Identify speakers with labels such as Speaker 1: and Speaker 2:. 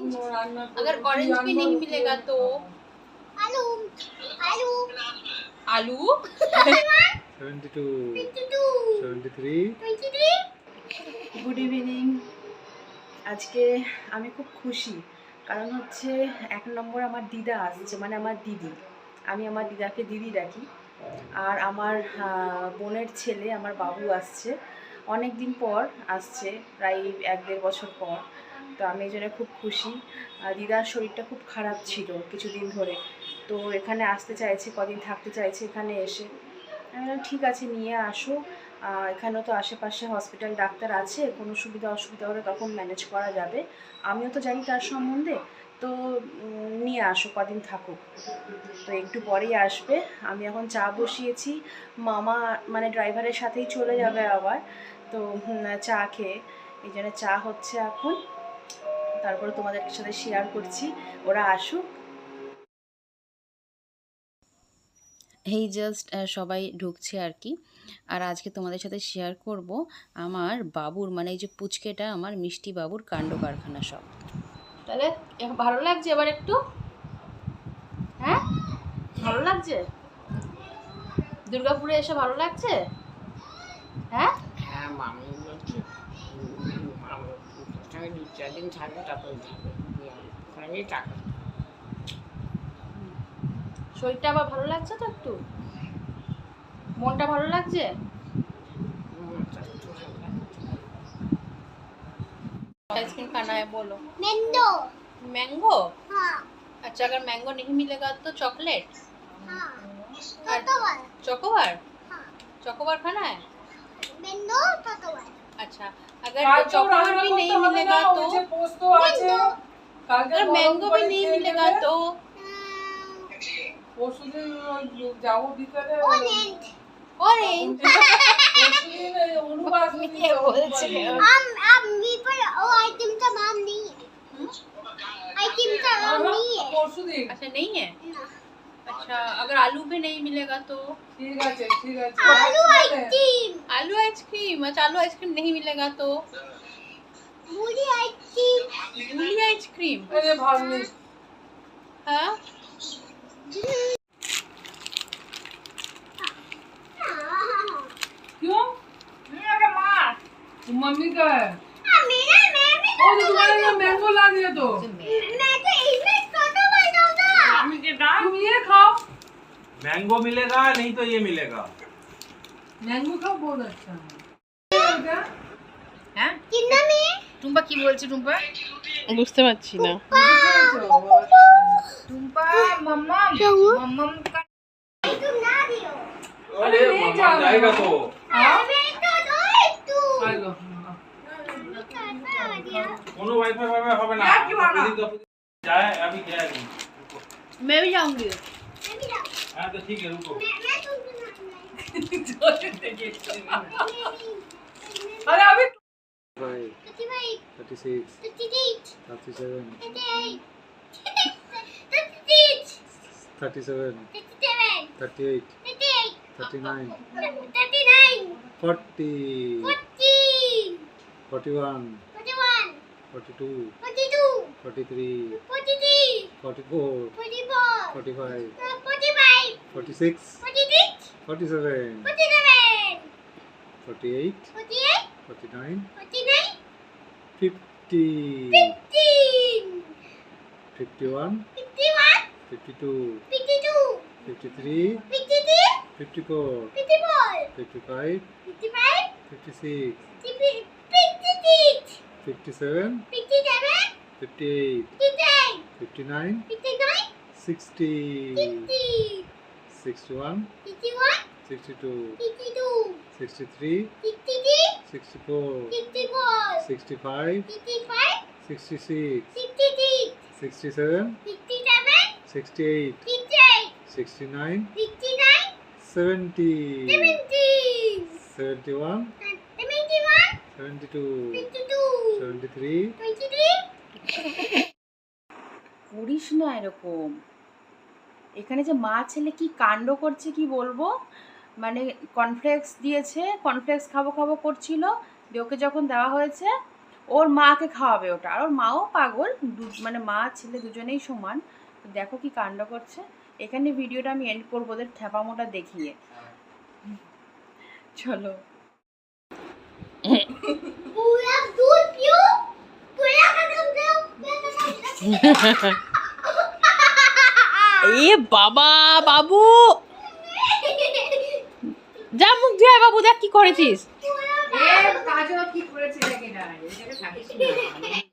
Speaker 1: अगर ऑरेंज भी नहीं मिलेगा तो
Speaker 2: आलू आलू
Speaker 1: आलू
Speaker 3: 72 73
Speaker 4: গুড ইভিনিং। আজকে আমি খুব খুশি, কারণ হচ্ছে 1 নম্বর আমার দিদা আসছে, মানে আমার দিদি। আমি আমার দিদাকে দিদি ডাকি। আর আমার বোনের ছেলে আমার বাবু আসছে, অনেক দিন পর আসছে, প্রায় 1-1.5 বছর পর। তো আমি এই জন্য খুব খুশি। দিদার শরীরটা খুব খারাপ ছিল কিছুদিন ধরে, তো এখানে আসতে চাইছে, কদিন থাকতে চাইছে এখানে এসে। আমি বললাম ঠিক আছে নিয়ে আসো, এখানেও তো আশেপাশে হসপিটাল ডাক্তার আছে, কোনো সুবিধা অসুবিধা হলে তখন ম্যানেজ করা যাবে। আমিও তো জানি তার সম্বন্ধে, তো নিয়ে আসো, কদিন থাকুক। তো একটু পরেই আসবে। আমি এখন চা বসিয়েছি, মামা মানে ড্রাইভারের সাথেই চলে যাবে আবার, তো চা খেয়ে এই জন্য চা হচ্ছে এখন। তারপরে তোমাদের সাথে শেয়ার করছি, ওরা আসুক। এই জাস্ট সবাই ঢুকছে আর কি। আর আজকে তোমাদের সাথে শেয়ার করব আমার বাবুর, মানে এই যে পুচকেটা আমার মিষ্টি বাবুর কাণ্ড কারখানা সব। তাহলে ভালো লাগছে এবার একটু? হ্যাঁ ভালো লাগছে? দুর্গাপুরে এসে ভালো লাগছে? হ্যাঁ
Speaker 1: হ্যাঁ মামি বলছে ওখানে 2-4 দিন থাকবে, তারপরে ওখানে টাকা।
Speaker 4: শরীরটা আবার ভালো লাগছে তো একটু? মনটা ভালো লাগছে? आइसक्रीम खाना है बोलो।
Speaker 2: Mango
Speaker 4: mango?
Speaker 2: हाँ
Speaker 4: अच्छा, अगर मैंगो नहीं मिलेगा तो चॉकलेट?
Speaker 2: हाँ टोटोवर
Speaker 4: चोकोबार?
Speaker 2: हाँ
Speaker 4: चोकोबार खाना है?
Speaker 2: मैंगो टोटोवर
Speaker 4: अच्छा, अगर चोकोबार भी नहीं मिलेगा तो?
Speaker 2: मैंगो
Speaker 4: अगर मैंगो भी नहीं मिलेगा तो?
Speaker 2: Orange
Speaker 4: orange? ये बोलছে
Speaker 2: अब मी पर वो आइटम का नाम नहीं है आइटम का नाम नहीं है
Speaker 4: अच्छा नहीं है।
Speaker 2: ना
Speaker 4: अच्छा, अगर आलू भी नहीं मिलेगा तो?
Speaker 2: आलू आइसक्रीम
Speaker 4: आलू आइसक्रीम? अच्छा, आलू आइसक्रीम नहीं मिलेगा तो?
Speaker 2: मूली आइसक्रीम
Speaker 4: मूली आइसक्रीम? हाँ
Speaker 5: क्यों? मम्मी का है।
Speaker 2: मेरा मैं भी
Speaker 5: और तो तुम्हारे लिए मैंगो ला दिया तो
Speaker 2: मैं तो इसमें टोटोवर दूंगा
Speaker 5: तुम ये खाओ।
Speaker 3: मैंगो मिलेगा नहीं तो ये मिलेगा।
Speaker 5: मैंगो खाओ, बहुत अच्छा है।
Speaker 4: হ্যাঁ
Speaker 2: कितना में
Speaker 4: টুম্পা কি বলছে? টুম্পা বুঝতে পারছি না। টুম্পা মাম্মা মাম্মা
Speaker 2: तुम ना दियो
Speaker 3: अरे मामा जाएगा तो
Speaker 2: मैं तो दो एक तू
Speaker 5: हेलो
Speaker 3: कोनो वाईफाई वाईफाई হবে না जाए अभी गया नहीं।
Speaker 4: मैं भी जाऊंगी।
Speaker 2: मैं भी जाऊँ
Speaker 3: हां तो ठीक है रुको।
Speaker 2: मैं तुमसे
Speaker 5: अरे अभी
Speaker 3: 36
Speaker 2: 38
Speaker 3: 37
Speaker 2: 38
Speaker 3: 37 38 39 40 41 42 43 44 45 46 47 48 49 50 51 52 53 54 55 56 57 58 59 60 61 62 63 64 65 66 67 68 69 70 71 72 73
Speaker 4: করিস না এরকম। এখানে যে মা ছেলে কি কাণ্ড করছে কি বলবো। মানে কর্নফ্লেক্স দিয়েছে, কর্নফ্লেক্স খাবো খাবো করছিল, দিয়ে ওকে যখন দেওয়া হয়েছে ও ওর মাকে খাওয়াবে ওটা, আর ওর মাও পাগল, মানে মা ছেলে দুজনেই সমান। তো দেখো কি কাণ্ড করছে। এখানে ভিডিওটা আমি এন্ড করবো ওদের ঠেপামোটা দেখিয়ে। চলো।
Speaker 2: पूरा दूध पियो, पूरा खत्म करो,
Speaker 4: এ বাবা বাবু, যা মুখ ধুয়ে বাবু, দেখ কি করেছিস।
Speaker 5: এ কাজও কি করেছে দেখে না, এখানে থাকিস না।